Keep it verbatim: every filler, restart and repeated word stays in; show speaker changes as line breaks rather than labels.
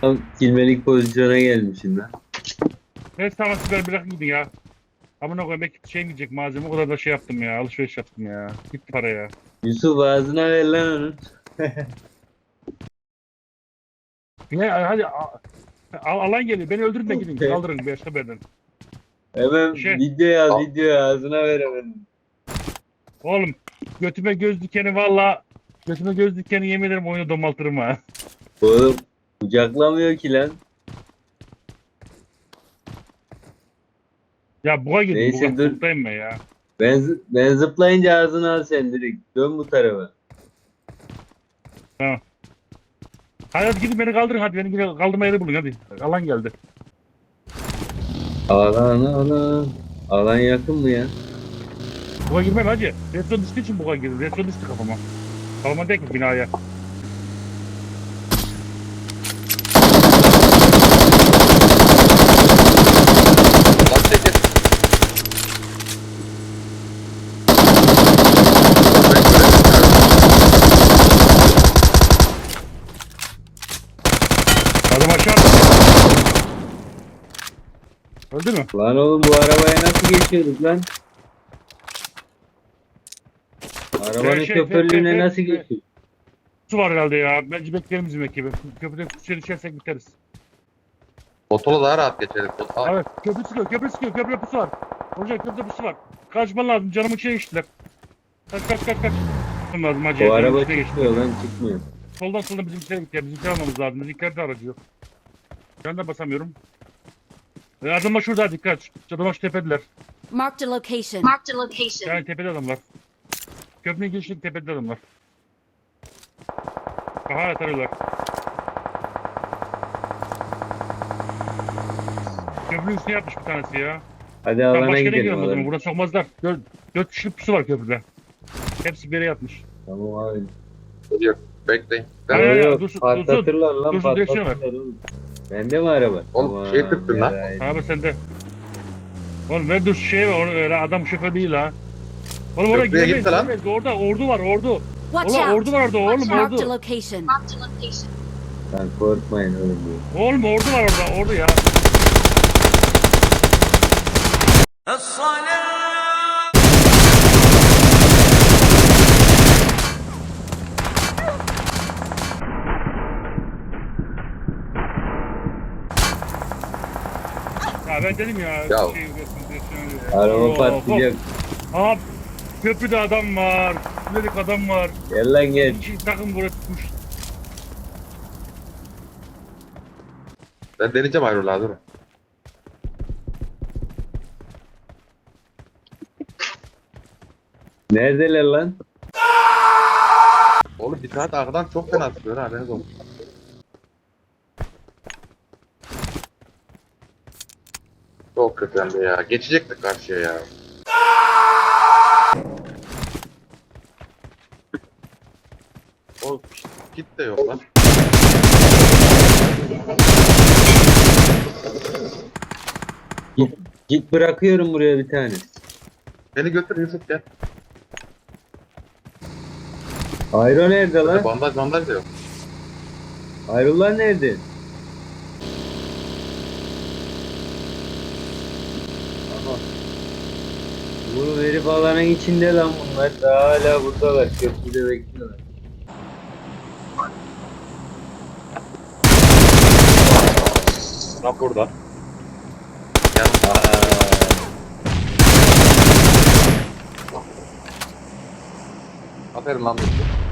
Tam silmelik pozisyona gelmişim lan.
Neyse tamam siber bırak gidin ya. Amına koyayım belki şey gidecek malzeme o kadar da şey yaptım ya alışveriş yaptım ya. Gitti para ya.
Yusuf ağzına ver lan onun.
Ne hadi a- a- alan geliyor beni öldürün de gidin kaldırın bir haberden.
Hemen
Şey-
video yaz
Al.
video ağzına ver hemen.
Oğlum götüme göz dikeni valla götüme göz dikeni yemin ederim oyunu domaltırım ha.
Oğlum kucaklamıyor ki lan.
Ya buga girdim
Neyse,
buga
dur.
buradayım ben ya.
Ben, zı- ben zıplayınca ağzına al sen direkt. Dön bu tarafa.
Hadi, hadi gidin beni kaldırın hadi beni gidin kaldırma yeri bulun hadi. Alan geldi.
Alan alan. Alan yakın mı ya?
Buga girmem hacı. Retro düştüğü için buga girdim. Retro düştü kafama. Kafama değil ki binaya.
Lan çekil.
Adam aşağı attı. Öldü mü?
Lan oğlum bu arabaya nasıl geçiyorduk lan? Arabanın
Şey, şey,
şoförlüğüne
şey, şey,
nasıl
şey.
geçiyorduk?
Su var herhalde ya. Bence bekleyelim bizim ekibi. Köprüden suya düşersek biteriz.
Motorla daha rahat geçeriz. Aa,
Evet. Köprü sıkıyor. Köprü sıkıyor. Köprü pusu var. Hocam köprüde pusu var. Kaçman lazım. Canımın içine geçtiler. Kaç kaç kaç kaç. Kaçman lazım hacı.
O
Canımın
araba
içine geçti.
çıkmıyor lan çıkmıyor.
Soldan soldan bizimkilere gitti. Bizimkiler almamız lazım. Bizimkiler de aracı yok. Ben de basamıyorum. E, adamlar şurada dikkat. Adamlar şu tepediler.
Marked a location.
Marked a location.
Yani tepede adamlar. Köprünün girişinde tepede adamlar. Aha tarıyorlar. Köprünün üstüne yapmış bir tanesi ya.
Hadi
Ben
alana
başka yere
gidelim.
gidiyorum o zaman.
Alana.
Burada sokmazlar. Dört, dört kişilik pusu var köprüde. Hepsi bir yere yatmış.
Tamam abi.
yok. Bekleyin. Ben
Hayır, hayır,
Yok,
dursun,
patlatırlar lan
dursun, direksiyon ver.
patlatırlar oğlum. Bende mi araba?
Oğlum, şey tıktın lan.
yaraydı.
Abi sende. Oğlum ver dur şey var. Onu, öyle adam şoför değil ha. Oğlum oraya
Köprüye
giremeyiz.
gitti lan.
giremeyiz. Orada ordu var ordu.
Watch
Oğlum
out.
ordu var orada oğlum
Marked a
ordu.
location.
Marked a location.
Lan korkmayın oğlum diyor.
Oğlum ordu var orada ordu ya. Ya ben dedim ya.
Ya.
Şey,
Araba
Oo,
patlayacak.
hop. Abi köprüde adam var. Dedik adam var.
Gel lan gel.
İki takım buraya tutmuş.
Ben deneyeceğim ayrılığa dur.
Neredeler lan?
Oğlum bir saat arkadan çok fena sıkıyor ha. Haberiniz olsun. Çok kötü hem de ya. Geçecektik karşıya ya. O kit de yok lan.
Git, git bırakıyorum buraya bir tane.
Beni götür Yusuf gel.
Ayro nerede lan?
Bandaj bandaj da yok.
Ayrılar nerede? Aha. Bu herif alanın içinde lan bunlar. Daha hala buradalar. Köprüde bekliyorlar.
Lan burada. Yanımda.
Aa,
Aferin lan Yusuf.